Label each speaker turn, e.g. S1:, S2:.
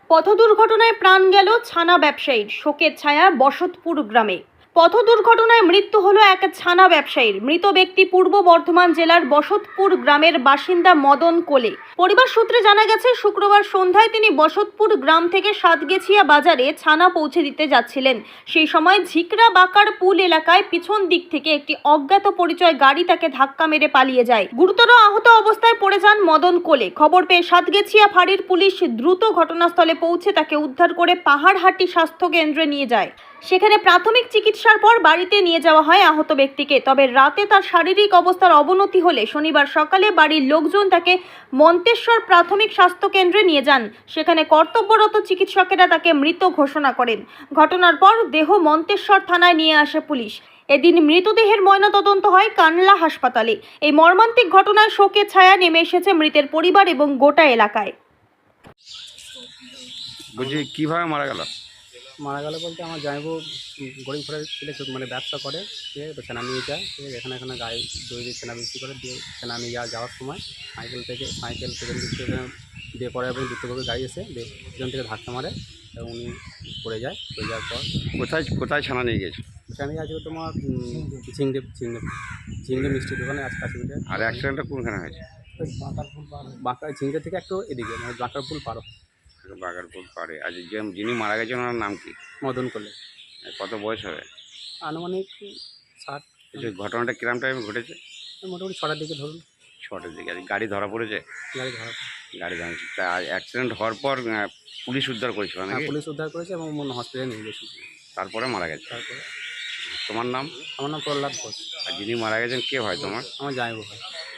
S1: পথ দুর্ঘটনায় প্রাণ গেল ছানা ব্যবসায়ীর, শোকের ছায়া বসতপুর গ্রামে। পথ দুর্ঘটনায় মৃত্যু হলো এক ছানা ব্যবসায়ীর। মৃত ব্যক্তি পূর্ব বর্ধমান জেলার বসতপুর গ্রামের বাসিন্দা মদন কোলে। পরিবার সূত্রে জানা গেছে, শুক্রবার সন্ধ্যায় তিনি বসতপুর গ্রাম থেকে সাতগেছিয়া বাজারে ছানা পৌঁছে দিতে যাচ্ছিলেন। সেই সময় ঝিকরা বাকার পুল এলাকায় পিছন দিক থেকে একটি অজ্ঞাত পরিচয় গাড়ি তাকে ধাক্কা মেরে পালিয়ে যায়। গুরুতর আহত অবস্থায় পড়ে যান মদন কোলে। খবর পেয়ে সাতগেছিয়া ফাঁড়ির পুলিশ দ্রুত ঘটনাস্থলে পৌঁছে তাকে উদ্ধার করে পাহাড়হাটি স্বাস্থ্য কেন্দ্রে নিয়ে যায়। সেখানে প্রাথমিক চিকিৎসার পর বাড়িতে নিয়ে যাওয়া হয় আহত ব্যক্তিকে। তবে রাতে তার শারীরিক অবস্থার অবনতি হলে শনিবার সকালে বাড়ির লোকজন তাকে মন্তেশ্বর প্রাথমিক স্বাস্থ্য কেন্দ্রে নিয়ে যান। সেখানে কর্তব্যরত চিকিৎসকেরা তাকে মৃত ঘোষণা করেন। ঘটনার পর দেহ মন্তেশ্বর থানায় নিয়ে আসে পুলিশ। এদিন মৃতদেহের ময়নাতদন্ত হয় কানলা হাসপাতালে। এই মর্মান্তিক ঘটনায় শোকের ছায়া নেমে এসেছে মৃতের পরিবার এবং গোটা এলাকায়।
S2: বলছি কিভাবে মারা গেল?
S3: মারা গেল বলতে আমার জামাইবু গরিব ঘরের ছেলে, মানে ব্যবসা করে, ঠিক আছে, তো সেনা নিয়ে যায়, ঠিক আছে, এখানে গায়ে দই দিয়ে সেনা বিক্রি করে, দিয়ে সেনা নিয়ে যাওয়ার সময় সাইকেল থেকে দিয়ে পরে এবং দ্বিতীয়ভাবে গাড়ি এসে পিছন থেকে ধাক্কা মারে এবং উনি পড়ে যায়। পড়ে যাওয়ার পর
S2: কোথায় কোথায় ছানা নিয়ে গেছে?
S3: সেখানে আছে তোমার ঝিংড়ে মিষ্টি দোকানে কাছে পিঠে।
S2: আর অ্যাক্সিডেন্টটা কোনখানে হয়েছে?
S3: বাঁকা ঝিংড়ে থেকে একটু এদিকে, মানে বাঁকার পুল পারো।
S2: বাগারপুর পাড়ে। আর যিনি মারা গেছেন ওনার নাম কি?
S3: মদন করলে।
S2: কত বয়স হবে?
S3: আনুমানিক 60।
S2: ঘটনাটা কিরম টাইমে ঘটেছে?
S3: মোটামুটি 6টার দিকে ধরুন।
S2: 6টার দিকে। আর গাড়ি ধরা পড়েছে?
S3: গাড়ি ধরা।
S2: গাড়ি ধরা। তা অ্যাক্সিডেন্ট হওয়ার পর পুলিশ উদ্ধার করেছিল নাকি?
S3: পুলিশ উদ্ধার করেছে এবং হসপিটালে নিয়ে গেছে।
S2: তারপরে মারা গেছে।
S3: তারপরে
S2: তোমার নাম?
S3: আমার নাম প্রহ্লাদ ঘোষ।
S2: আর যিনি মারা গেছেন কে হয় তোমার?
S3: আমার জামাইবু হয়।